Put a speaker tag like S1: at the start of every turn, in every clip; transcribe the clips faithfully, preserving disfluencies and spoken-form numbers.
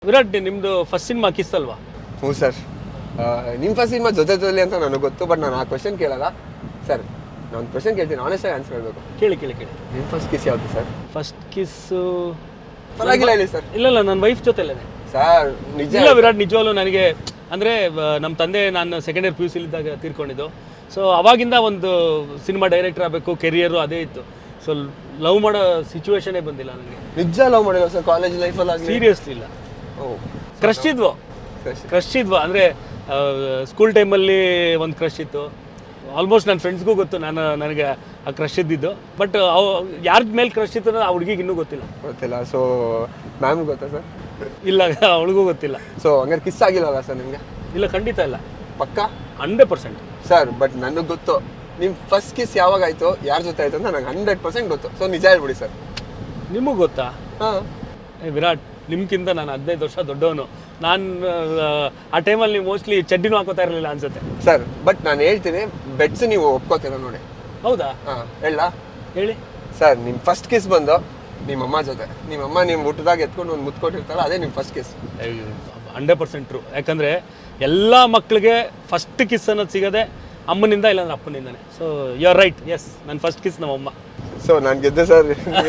S1: ವಿರಾಟ್, ನಿಮ್ದು first cinema kiss ಅಲ್ವಾ?
S2: ಹ್ಞೂ ಸರ್. ನಿಮ್ಮ ಫಸ್ಟ್ ಸಿನಿಮಾ ಜೊತೆ ಜೊತೆ ಅಂತ ನನಗೆ ಗೊತ್ತು, ಬಟ್ ನಾನು ಆ ಕ್ವಶನ್ ಕೇಳಲ್ಲ ಸರ್. ನಾನು ಕ್ವಶನ್ ಕೇಳ್ತೀನಿ, ಆನೆಸ್ಟಾಗಿ ಆನ್ಸರ್ ಹೇಳಬೇಕು.
S1: ಕೇಳಿ ಕೇಳಿ ಕೇಳಿ
S2: ನಿಮ್ಮ ಫಸ್ಟ್ ಕಿಸ್ ಯಾವುದು ಸರ್?
S1: ಫಸ್ಟ್ ಕಿಸ್ಸು
S2: ಪರವಾಗಿಲ್ಲ ಹೇಳಿ ಸರ್.
S1: ಇಲ್ಲ ಇಲ್ಲ ನನ್ನ ವೈಫ್ ಜೊತೆಲೇ
S2: ಸರ್ ನಿಜ
S1: ಇಲ್ಲ ವಿರಾಟ್, ನಿಜವಾಗ್ಲೂ ನನಗೆ ಅಂದರೆ ನಮ್ಮ ತಂದೆ ನಾನು ಸೆಕೆಂಡ್ ಇಯರ್ ಪಿ ಯು ಸಿಲಿದ್ದಾಗ ತೀರ್ಕೊಂಡಿದ್ದು. ಸೊ ಅವಾಗಿಂದ ಒಂದು ಸಿನಿಮಾ ಡೈರೆಕ್ಟರ್ ಆಗಬೇಕು ಕೆರಿಯರು ಅದೇ ಇತ್ತು. ಸೊ ಲವ್ ಮಾಡೋ ಸಿಚುವೇಶನೇ ಬಂದಿಲ್ಲ ನನಗೆ.
S2: ನಿಜ ಲವ್ ಮಾಡಿಲ್ಲ ಸರ್ ಕಾಲೇಜ್ ಲೈಫಲ್ಲಿ?
S1: ಸೀರಿಯಸ್ಲಿ ಇಲ್ಲ.
S2: ಓ
S1: ಕ್ರಶ್ ಇದ್ವು ಕ್ರಶ್ ಇದ್ವು ಅಂದರೆ ಸ್ಕೂಲ್ ಟೈಮಲ್ಲಿ ಒಂದು ಕ್ರಶ್ ಇತ್ತು. ಆಲ್ಮೋಸ್ಟ್ ನನ್ನ ಫ್ರೆಂಡ್ಸ್ಗೂ ಗೊತ್ತು ನಾನು ನನಗೆ ಆ ಕ್ರಶ್ ಇದ್ದಿದ್ದು. ಬಟ್ ಅವು ಯಾರ ಮೇಲೆ ಕ್ರಶ್ ಇತ್ತು ಅನ್ನೋದು ಆ ಹುಡುಗಿಗೆ ಇನ್ನೂ ಗೊತ್ತಿಲ್ಲ.
S2: ಗೊತ್ತಿಲ್ಲ. ಸೊ ಮ್ಯಾಮ್ ಗೊತ್ತಾ ಸರ್?
S1: ಇಲ್ಲ, ಅವಳಿಗೂ ಗೊತ್ತಿಲ್ಲ.
S2: ಸೊ ಹಂಗಾರೆ ಕಿಸ್ ಆಗಿಲ್ಲಲ್ಲ ಸರ್ ನಿಮಗೆ?
S1: ಇಲ್ಲ, ಖಂಡಿತ ಇಲ್ಲ.
S2: ಪಕ್ಕಾ
S1: ಹಂಡ್ರೆಡ್ ಪರ್ಸೆಂಟ್
S2: ಸರ್. ಬಟ್ ನನಗೆ ಗೊತ್ತು ನಿಮ್ಮ ಫಸ್ಟ್ ಕಿಸ್ ಯಾವಾಗ ಆಯಿತು, ಯಾರ ಜೊತೆ ಆಯಿತು ಅಂತ ನನಗೆ ಹಂಡ್ರೆಡ್ ಪರ್ಸೆಂಟ್ ಗೊತ್ತು. ಸೊ ನಿಜ ಹೇಳ್ಬಿಡಿ ಸರ್.
S1: ನಿಮಗೆ ಗೊತ್ತಾ?
S2: ಹಾಂ.
S1: ಏ ವಿರಾಟ್, ನಿಮ್ಗಿಂತ ನಾನು ಹದಿನೈದು ವರ್ಷ ದೊಡ್ಡವನು. ನಾನು ಆ ಟೈಮಲ್ಲಿ ನೀವು ಮೋಸ್ಟ್ಲಿ ಚಡ್ಡಿನೂ ಹಾಕೋತಾ ಇರಲಿಲ್ಲ ಅನ್ಸುತ್ತೆ
S2: ಸರ್. ಬಟ್ ನಾನು ಹೇಳ್ತೀನಿ, ಬೆಟ್ಸ್ ನೀವು ಒಪ್ಕೋತೀರ ನೋಡಿ.
S1: ಹೌದಾ?
S2: ಹಾಂ ಹೇಳ
S1: ಹೇಳಿ
S2: ಸರ್. ನಿಮ್ಮ ಫಸ್ಟ್ ಕಿಸ್ ಬಂದು ನಿಮ್ಮಮ್ಮ ಜೊತೆ, ನಿಮ್ಮಮ್ಮ ನಿಮ್ಮ ಊಟದಾಗ ಎತ್ಕೊಂಡು ಒಂದು ಮುತ್ಕೊಟ್ಟಿರ್ತಾರಲ್ಲ, ಅದೇ ನಿಮ್ಮ first kiss.
S1: Hundred percent true. ಯಾಕಂದರೆ ಎಲ್ಲ ಮಕ್ಕಳಿಗೆ ಫಸ್ಟ್ ಕಿಸ್ ಅನ್ನೋದು ಸಿಗೋದೆ ಅಮ್ಮನಿಂದ, ಇಲ್ಲಾಂದ್ರೆ ಅಪ್ಪನಿಂದನೇ. So you are right. Yes, ನನ್ನ ಫಸ್ಟ್ ಕಿಸ್ ನಮ್ಮಮ್ಮ.
S2: ಸೊ ನಾನು ಗೆದ್ದೆ ಸರ್.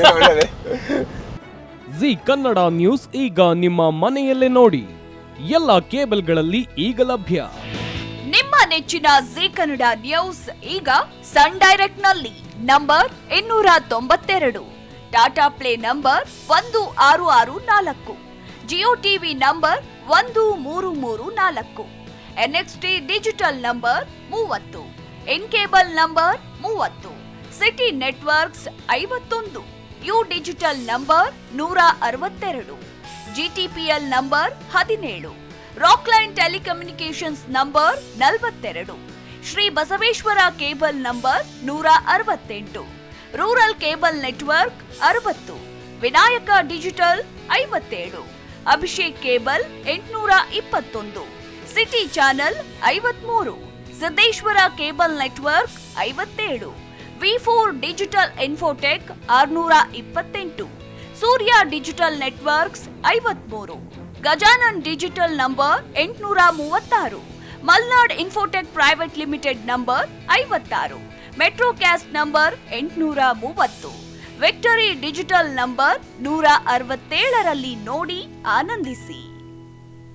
S3: ಜಿ ಕನ್ನಡ ನ್ಯೂಸ್ ಈಗ ನಿಮ್ಮ ಮನೆಯಲ್ಲೇ ನೋಡಿ. ಎಲ್ಲ ಕೇಬಲ್ಗಳಲ್ಲಿ ಈಗ ಲಭ್ಯ.
S4: ನಿಮ್ಮ ನೆಚ್ಚಿನ ಜಿ ಕನ್ನಡ ನ್ಯೂಸ್ ಈಗ ಸನ್ ಡೈರೆಕ್ಟ್ ನಲ್ಲಿ ನಂಬರ್ ಇನ್ನೂರ ತೊಂಬತ್ತೆರಡು, ಟಾಟಾ ಪ್ಲೇ ನಂಬರ್ ಒಂದು ಆರು ಆರು ನಾಲ್ಕು, ಜಿಯೋ ಟಿವಿ ನಂಬರ್ ಒಂದು ಮೂರು ಮೂರು ನಾಲ್ಕು, ಎನ್ಎಕ್ಸ್ಟಿ ಡಿಜಿಟಲ್ ನಂಬರ್ ಮೂವತ್ತು, ಇನ್ ಕೇಬಲ್ ನಂಬರ್ ಮೂವತ್ತು, ಸಿಟಿ ನೆಟ್ವರ್ಕ್ಸ್ ಐವತ್ತೊಂದು, ಯು ಡಿಜಿಟಲ್ ನಂಬರ್ ನೂರ ಅರವತ್ತೆರಡು, ಜಿಟಿಪಿಎಲ್ ನಂಬರ್ ಹದಿನೇಳು, ರಾಕ್ಲೈನ್ ಟೆಲಿಕಮ್ಯುನಿಕೇಶನ್ಸ್ ನಂಬರ್ ನಲವತ್ತೆರಡು, ಶ್ರೀ ಬಸವೇಶ್ವರ ಕೇಬಲ್ ನಂಬರ್ ನೂರ ಅರವತ್ತೆಂಟು, ರೂರಲ್ ಕೇಬಲ್ ನೆಟ್ವರ್ಕ್ ಅರವತ್ತು, ವಿನಾಯಕ ಡಿಜಿಟಲ್ ಐವತ್ತೇಳು, ಅಭಿಷೇಕ್ ಕೇಬಲ್ ಎಂಟುನೂರ ಇಪ್ಪತ್ತೊಂದು, ಸಿಟಿ ಚಾನೆಲ್ ಐವತ್ಮೂರು, ಸಿದ್ದೇಶ್ವರ ಕೇಬಲ್ ನೆಟ್ವರ್ಕ್ ಐವತ್ತೇಳು, ವಿ ಫೋರ್ ಡಿಜಿಟಲ್ ಇನ್ಫೋಟೆಕ್ ಆರುನೂರ ಇಪ್ಪತ್ತೆಂಟು, ಸೂರ್ಯ ಡಿಜಿಟಲ್ ನೆಟ್ವರ್ಕ್ಸ್ ಐವತ್ಮೂರು, ಗಜಾನನ್ ಡಿಜಿಟಲ್ ನಂಬರ್ ಎಂಟುನೂರ ಮೂವತ್ತಾರು, Malnad infotech private limited number ಐವತ್ತಾರು, ಮೆಟ್ರೋಕ್ಯಾಸ್ಟ್ ನಂಬರ್ ಎಂಟುನೂರ ಮೂವತ್ತು, ವಿಕ್ಟರಿ ಡಿಜಿಟಲ್ ನಂಬರ್ ನೂರ ಅರವತ್ತೇಳರಲ್ಲಿ ನೋಡಿ ಆನಂದಿಸಿ.